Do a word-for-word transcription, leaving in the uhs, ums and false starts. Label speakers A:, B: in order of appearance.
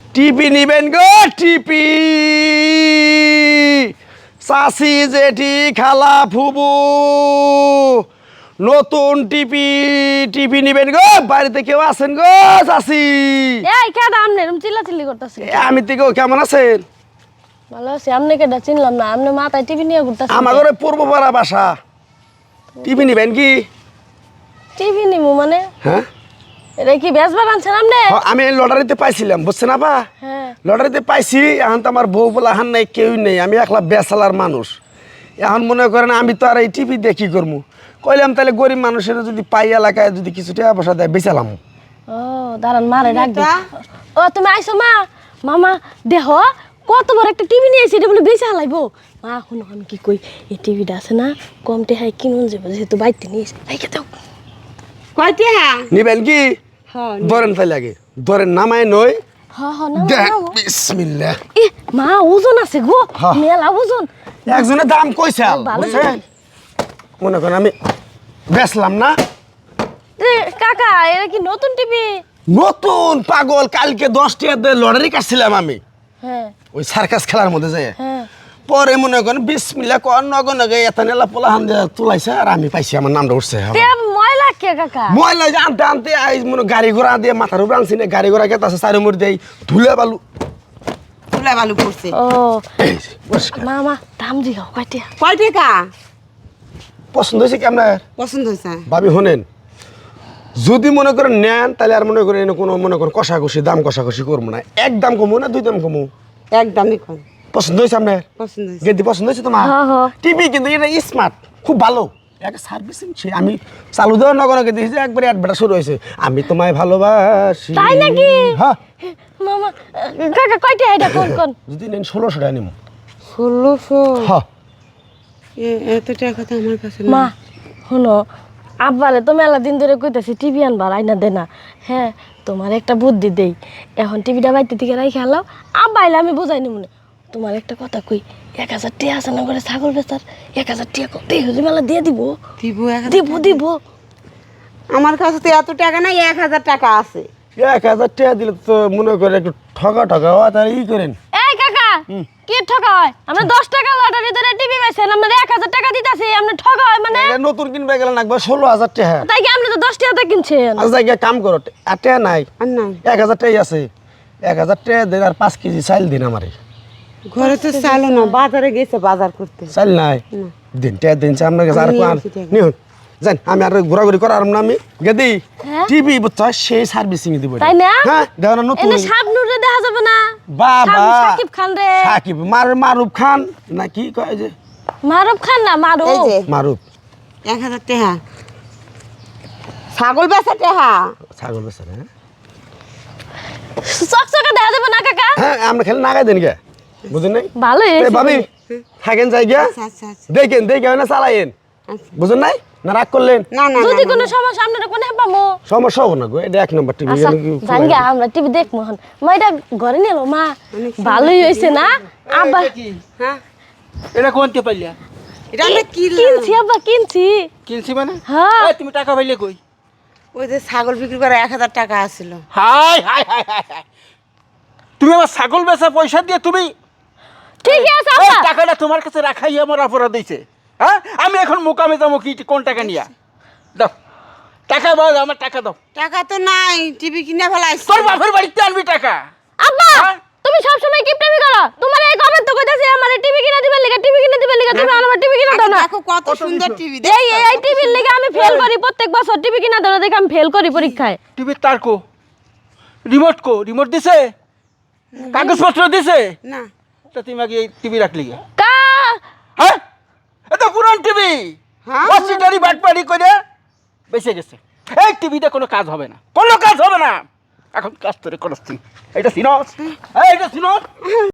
A: টিপি নিবেন গো টিপি চাচি জেঠি খালা ফুবু নতুন টিপি টিপি নিবেন গো বাড়িতে কেউ আছেন গো চাচি
B: এই কেডা আমনে এরকম চিল্লাচিল্লি করতাছেন
A: আমি তো কেমন আছেন
B: ভালো আছি আমনে কেডা চিনলাম না আমনে মাথায় টিভি নিয়ে ঘুরতাছেন
A: আমার ঘরে পূর্বপাড়া বাসা টিপি নিবেন কি
B: টিভি নিমু মানে
A: হ্যাঁ
B: এটা কি বেচবার আনছেন আমনে
A: আমি লটারিতে পাইছিলাম বুঝছেন আপা
B: হ্যাঁ
A: লটারিতে পাইছি এখন তো আমার বউ বলা হান নাই কেউই নেই আমি একলা বেসালার মানুষ এখন মনে করেন আমি তো আর এই টিভি দিয়ে কি করবো কইলাম তাহলে গরিব মানুষের যদি পাই এলাকায় যদি কিছু টাকা পয়সা দেয় বেচালাম
B: ও দাঁড়ান মারে ডাক দে ও তুমি আইছো মা মামা দেহ কত বড় একটা টিভি নিয়ে এসে এটা বলে বেচা হালাইবো মা শুনো আমি কি কই এই টিভিটা আছে না কম টেহাই কিনুন যাবো যেহেতু বাইতে নিয়ে এসে রাইখে দাও
C: কয়তে হ্যাঁ
A: নিবেন কি
C: হ্যাঁ
A: ধরেন তাহলে আগে ধরেন নামায় নই
B: হ হ না
A: দেখ বিসমিল্লাহ
B: এ মা ওজন আছে গো
A: হ্যাঁ।
B: মেলা ওজন
A: একজনের দাম কইছে
B: ভালো
A: বুঝছেন মনে করেন আমি বেচলাম না
B: এ, কাকা এটা কি নতুন টিভি
A: নতুন পাগল কালকে দশ টাকা দিয়ে লটারি কাটছিলাম আমি
B: হ্যাঁ
A: ওই সার্কাস খেলার মধ্যে যায়
B: হ্যাঁ
A: পরে মনে করেন বিসমিল্লাহ কর নগন নগে এত নেলা পোলা হান দিয়ে তুলাইছে আর আমি পাইছি আমার নামটা উঠছে
B: তে ময়লা কে কাকা
A: ময়লা যে আনতে আনতে আই মনে গাড়ি ঘোড়া দিয়ে মাথার উপরে আনছি না গাড়ি ঘোড়া কেটে আছে চারি মুড়ি দিয়ে ধুলে বালু
C: তুলা বালু পড়ছে
B: ও
A: এই যে, পরিষ্কার।
B: মামা দাম দিও কয়টা
C: কয় টাকা
A: পছন্দ হয়েছে কি আপনার
C: পছন্দ হয়েছে
A: ভাবি শোনেন যদি মনে করেন নেন তাহলে আর মনে করেন কোনো মনে করেন কষাকষি দাম কষাকষি করবো না এক দাম কমু না দুই দাম কমু
C: একদমই কম
A: পছন্দ হয়েছে আপনার
C: পছন্দ হয়েছে
A: গেদি পছন্দ হয়েছে তোমার
B: হ্যাঁ, হ্যাঁ।
A: টিভি কিন্তু এটা স্মার্ট খুব ভালো একটা সার্ভিসিং আমি চালু দেওয়ার নগরকে দেখেছি একবারে অ্যাডভার্টাইজ শুরু হয়েছে আমি তোমায় ভালোবাসি
B: তাই নাকি?
A: হ্যাঁ
B: মামা কাকা কয়টা এটা কোন কোন
A: যদি নেন ষোলোশো টাকা নিব
C: ষোলোশো
A: হ্যাঁ
C: এত টাকা তো আমার কাছে
B: মা শোনো আব্বারে তো মেলা দিন ধরে কইতাছি টিভি আনবার আইনা দে না হ্যাঁ তোমার একটা বুদ্ধি দেই এখন টিভিটা বাইতে থেকে রাই খেলাও আব্বা আইলে আমি বুঝাই নিব না তোমার একটা কথা কই এক হাজার টিয়া আছে না করে ছাগল বেচার এক হাজার টিয়া দেই হুজুর মেলা দিয়ে দিব
C: দিব এক হাজার-
B: দিব দিব
C: আমার কাছে তো এত টাকা নাই এক হাজার টাকা আছে
A: এক হাজার টাকা দিলে তো মনে করে একটু ঠকা ঠকা হয় তাহলে ই করেন
B: এই কাকা কি ঠকা হয় আমরা দশ টাকা লটারি ধরে টিভি বেচেন আমরা এক হাজার টাকা দিতাছি আমরা ঠকা হয় মানে
A: এটা নতুন কিনবে গেলে লাগবে ষোলো হাজার টাকা
B: তাই কি আপনি তো দশ টাকাতে কিনছেন
A: আচ্ছা জায়গায় কাম করো আর টাকা নাই
C: আর নাই
A: এক হাজার টাকাই আছে এক হাজার টাকা দেন আর পাঁচ কেজি চাইল দিন আমারে
C: ঘরে তো চালো না বাজারে গেছে বাজার করতে
A: চাইল নাই দিন টাকা দিন চা আপনার কাছে আর
C: আমি
A: কোন
C: আনছি টাকা।
A: নিহুন জান আমি আর ঘোরাঘুরি করার না আমি গেদি
B: হ্যাঁ?
A: টিভি বুঝছো সেই সার্ভিসিং দিব
B: তাই না?
A: হ্যাঁ দেখো না নতুন
B: এনে শাবনুরে দেখা যাবে না
A: বাবা
B: শাব- শাকিব খান রে
A: সাকিব মার মারুফ খান না কি কয় যে
B: মারুফ খান না মারুফ
C: এই যে
A: মারুফ
C: এক হাজার টাকা ছাগল বেচা টাকা
A: ছাগল বেচার হ্যাঁ
B: চকচকে দেখা যাবে না কাকা
A: হ্যাঁ আমরা খেলে নাগাই দেন গে বুঝেন নাই
B: ভালো
A: এ ভাবি থাকেন যাই গিয়া
C: আচ্ছা আচ্ছা আচ্ছা
A: দেখেন দেখে না চালাইন
C: আচ্ছা।
A: বুঝেন নাই না রাগ করলেন
C: না না
B: যদি
C: না,
B: কোনো সমস্যা আপনারা কোনে পামো
A: সমস্যা হবো না গো এটা এক নম্বর টিভি
B: আচ্ছা জান গে আমরা টিভি দেখবো হন মা এটা ঘরে নিল মা ভালোই হইছে না আব্বা
C: হ্যাঁ
D: এটা কোনতে পাইলা
C: এটা আমরা কিনলাম
B: কিনছি আব্বা কিনছি
D: কিনছি মানে
B: হ্যাঁ
D: এই, তুমি টাকা পাইলে কই
C: ওই যে ছাগল বিক্রি করে এক হাজার টাকা আসছিল
D: হাই হাই হাই হাই হাই তুমি আমার ছাগল বেচা পয়সা দিয়ে তুমি
B: ঠিক আছে
D: এই
B: আব্বা
D: টাকাটা তোমার কাছে রাখাই আমার অপরাধ হয়েছে হ্যাঁ আমি এখন মোকামে যাবো কি কোন টাকা নিয়া দাও টাকা দাও আমার টাকা দাও
C: টাকা তো নাই টিভি কিনে ফেলাইছি
D: তোর বাপের বাড়িতে আনবি টাকা
B: আব্বা
D: হ্যাঁ?
B: তুমি সব সময় কিপটামি করো তোমার এই কবে তো কইতাছি আমারে টিভি কিনে দিবে লাগা টিভি কিনে দিবে লাগা তুমি আমার টিভি কিনে দাও না
C: দেখো কত সুন্দর টিভি
B: এই এই এই টিভির লাগা আমি ফেল করি প্রত্যেক বছর টিভি কিনা দাও না দেখে আমি ফেল করি পরীক্ষায়
D: টিভির তার কো রিমোট কো রিমোট দিছে কাগজপত্র দিছে
C: না
D: তা তুমি আগে এই টিভি রাখলি গে?
B: কা
D: হ্যাঁ এটা পুরান টিভি
C: হ্যাঁ?
D: ওয়াসিটারি বাটপাড়ি করে বেঁচে গেছে এই টিভিতে কোনো কাজ হবে না কোনো কাজ হবে না এখন কাজ তোরে করছি এটা সিনস এই এটা সিনস